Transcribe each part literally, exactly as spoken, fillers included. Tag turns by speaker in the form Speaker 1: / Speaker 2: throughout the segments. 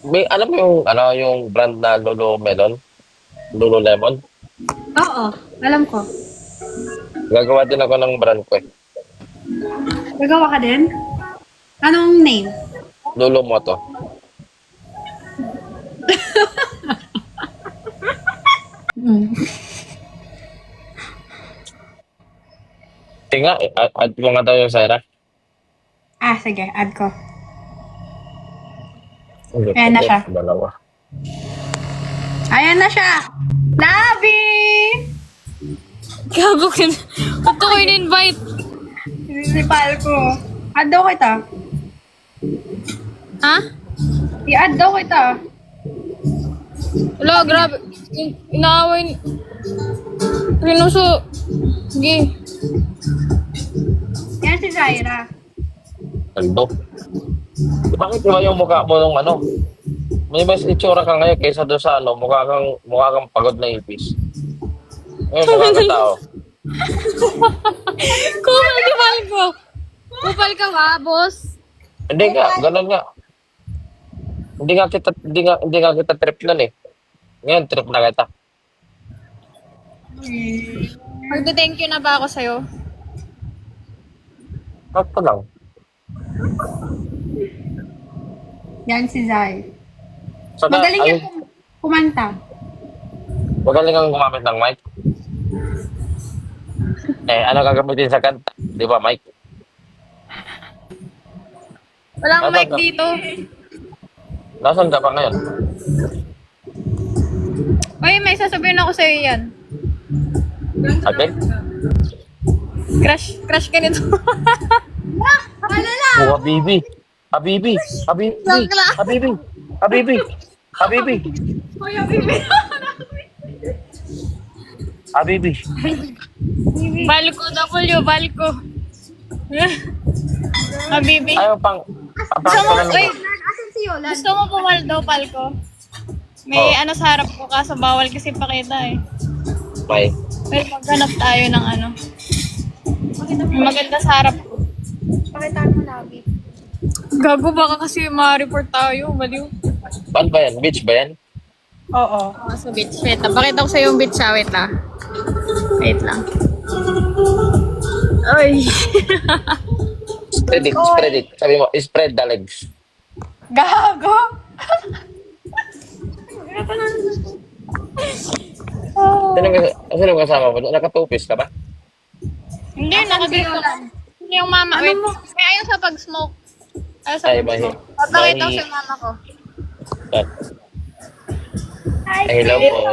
Speaker 1: May, alam mo yung, ano, yung brand na Lululemon? Lululemon?
Speaker 2: Oo, alam ko.
Speaker 1: Gagawa din ako ng brand ko eh.
Speaker 2: Gagawa ka din? Anong name?
Speaker 1: Lulumoto.
Speaker 2: Mm.
Speaker 1: Tinga, eh, add add mo nga daw yung Sarah.
Speaker 2: Ah, sige, add ko.
Speaker 1: Hindi,
Speaker 2: Ayan na
Speaker 1: pwede.
Speaker 2: siya.
Speaker 1: Dalawa.
Speaker 2: Ayan na siya! Nabi!
Speaker 3: Gago ka na. Ba't ko in-invite?
Speaker 2: Sinisipal ko. Add daw kita.
Speaker 3: Ha?
Speaker 2: I-add daw kita.
Speaker 3: Wala, grabe. In- Inaaway ni... Rinuso. Sige.
Speaker 2: Yan si Zaira.
Speaker 1: Ando. Bakit iba yung mukha mo nung ano? May mas itsura ka ngayon kaysa doon sa ano, mukha kang, mukha kang pagod na ipis. Ngayon, mukha kang tao.
Speaker 3: Kupal ka, Falco. Kupal ka ba, boss?
Speaker 1: Hindi nga, ganun nga. Hindi nga kita, hindi nga, hindi nga kita trip nun eh. Ngayon, trip na kita.
Speaker 3: Magde-thank you na ba ako sa'yo?
Speaker 1: Sakto lang.
Speaker 2: Yan si Zai.
Speaker 1: Saka,
Speaker 2: Magaling
Speaker 1: ay,
Speaker 2: yan kum- kumanta.
Speaker 1: magaling kang gumamit ng mic. Eh, ano gagamitin sa kanta? Di ba, mic?
Speaker 3: Walang
Speaker 1: Nasaan
Speaker 3: mic
Speaker 1: ka?
Speaker 3: dito.
Speaker 1: Nasaan ka pa ngayon?
Speaker 3: Uy, may sasabihin ako sa'yo yan.
Speaker 1: Ate?
Speaker 3: Crush, crush ka nito.
Speaker 2: Ano lang?
Speaker 1: Oh, Habibi. Habibi. Habibi.
Speaker 3: Joke lang.
Speaker 1: Habibi. Habibi. Habibi.
Speaker 2: Kuya Bibi.
Speaker 1: Habibi.
Speaker 3: Balko, W, Balko. Habibi.
Speaker 1: Ayaw pang...
Speaker 3: Gusto mo,
Speaker 1: Papasok
Speaker 3: uy,
Speaker 2: Asan si Yolan?
Speaker 3: gusto mo pumaldo, Palko? May
Speaker 1: Oh.
Speaker 3: ano sa harap ko, kaso bawal kasi pakita eh.
Speaker 1: May.
Speaker 3: Pero maghanap tayo ng ano. May maganda sa harap ko.
Speaker 2: Pakitaan mo Nabi.
Speaker 3: Gago, baka kasi ma-report tayo. Baliw.
Speaker 1: Saan ba yan? Beach ba yan?
Speaker 2: Oo.
Speaker 3: Oh, sa beach. Wait lang. Pakita ko sa'yo yung beach ha. Wait lang. Wait lang. Ay.
Speaker 1: Spread it. Spread it. Sabi mo, spread the legs.
Speaker 2: Gago!
Speaker 1: Sino ka- sino kasama mo? Nakatupis ka ba?
Speaker 3: Hindi,
Speaker 2: Asan si
Speaker 3: nakadito.
Speaker 2: Yolan?
Speaker 3: Hindi yung mama.
Speaker 2: Ano
Speaker 3: Wait.
Speaker 2: mo?
Speaker 3: May ayaw sa pag-smoke. Ayaw sa
Speaker 1: Ay,
Speaker 3: pag-smoke.
Speaker 1: bahi-
Speaker 3: Papakita ko
Speaker 1: bahi-
Speaker 3: sa mama ko.
Speaker 1: Yan.
Speaker 2: Hi,
Speaker 1: Ay, hello po.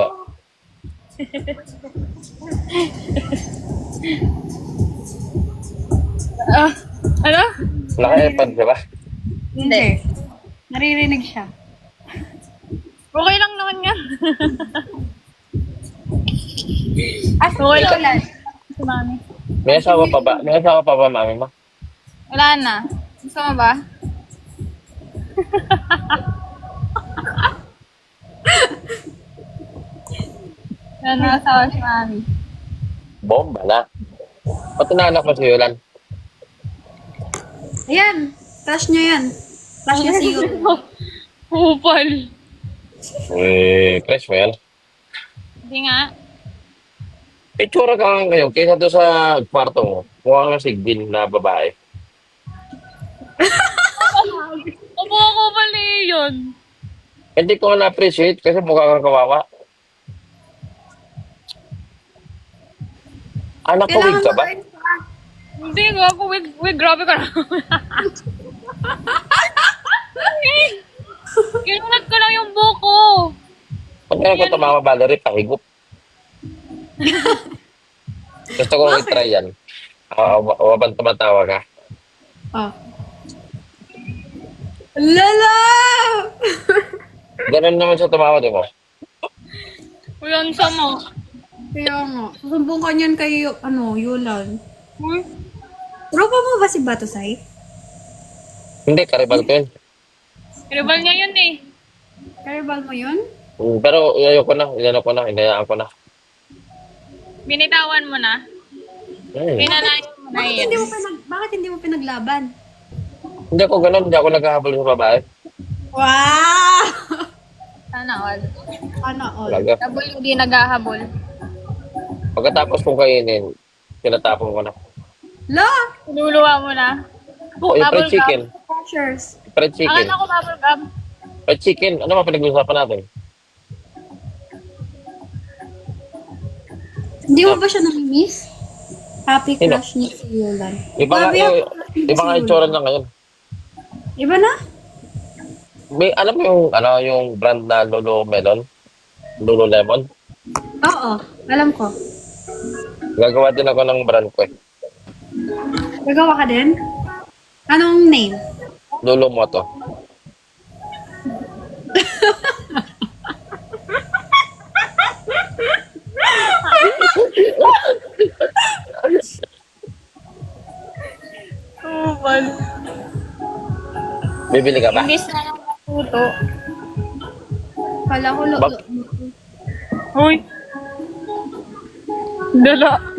Speaker 3: Ah, ano?
Speaker 1: Naka-airpod ka ba?
Speaker 2: Hindi. Naririnig siya.
Speaker 3: Okay lang naman yan.
Speaker 2: Asan si
Speaker 3: Okay lang.
Speaker 2: Yolan?
Speaker 3: Si mami.
Speaker 1: May asawa pa ba? May asawa pa ba, mami mo?
Speaker 3: Wala na. Gusto mo ba? Yan na asawa si mami.
Speaker 1: Bomba na. Pati naanak mo si Yolan.
Speaker 2: Ayan. Crush niya yan. Crush niya si Yolan.
Speaker 3: Kupal.
Speaker 1: Eh, crush mo yan.
Speaker 3: Hindi nga.
Speaker 1: Itsura ka nga ngayon kaysa doon sa kwarto mo. Mukha kang sigbin na babae.
Speaker 3: Opo ako pala yun.
Speaker 1: Hindi ko nga na-appreciate kasi mukha kang kawawa. Anak ko, wig ka ba?
Speaker 2: mo-
Speaker 3: Hindi nga ako. Wig, wig, grabe ka na. Kinunat ko lang yung buko.
Speaker 1: Pag meron ko tumama Valerie, pahigup. Gusto ko i-try yan. Uh, wabang tumatawa ka.
Speaker 2: Oh. Lala!
Speaker 1: Ganun naman siya tumawa, di mo?
Speaker 3: Uyan sa mo.
Speaker 2: Kaya nga. Susumbong ka niyan kay, ano, Yolan.
Speaker 3: Uy.
Speaker 2: Tropa mo ba si Batosay?
Speaker 1: Hindi, karibal ko yun.
Speaker 3: Tribal niya yun eh.
Speaker 2: Karibal mo yun?
Speaker 1: Mm, Pero ayaw ko na, inano ko na, inayaan ko na.
Speaker 3: Binitawan mo na.
Speaker 1: Hmm.
Speaker 3: Pinanayan mo na
Speaker 2: Bakit
Speaker 3: yun.
Speaker 2: hindi mo pinag bakit hindi mo pinaglaban?
Speaker 1: Hindi ako ganun, hindi ako naghahabol sa babae.
Speaker 2: Wow!
Speaker 3: Sana all.
Speaker 2: Ano all?
Speaker 1: Talaga.
Speaker 3: Habol hindi naghahabol.
Speaker 1: Pagkatapos kong kainin, tinatapon ko na.
Speaker 2: La!
Speaker 3: Luluwa mo na.
Speaker 1: Oo, yung fried
Speaker 3: Bubble gum.
Speaker 1: chicken.
Speaker 2: Pressures.
Speaker 1: Fried chicken.
Speaker 3: Akala ko bubble gum.
Speaker 1: Fried chicken. Ano ba pinag-uusapan natin?
Speaker 2: Hindi mo ba siya nami-miss? Happy
Speaker 1: Sino?
Speaker 2: crush ni si Yulan.
Speaker 1: Iba nga,
Speaker 2: Grabe,
Speaker 1: yung,
Speaker 2: happy crush ni
Speaker 1: iba
Speaker 2: si
Speaker 1: nga yung
Speaker 2: Yulan.
Speaker 1: tsura niya ngayon.
Speaker 2: Iba na?
Speaker 1: May, alam mo yung, ano, yung brand na Lululemon? Lululemon?
Speaker 2: Oo, alam ko.
Speaker 1: Gagawa din ako ng brand ko eh.
Speaker 2: Gagawa ka din? Anong name?
Speaker 1: Lulumoto.
Speaker 3: Oh, bal.
Speaker 1: Bibili ka ba?
Speaker 3: Imbis na lang matuto.
Speaker 2: Kala ko lo...
Speaker 1: Bak-
Speaker 3: Uy. Dala.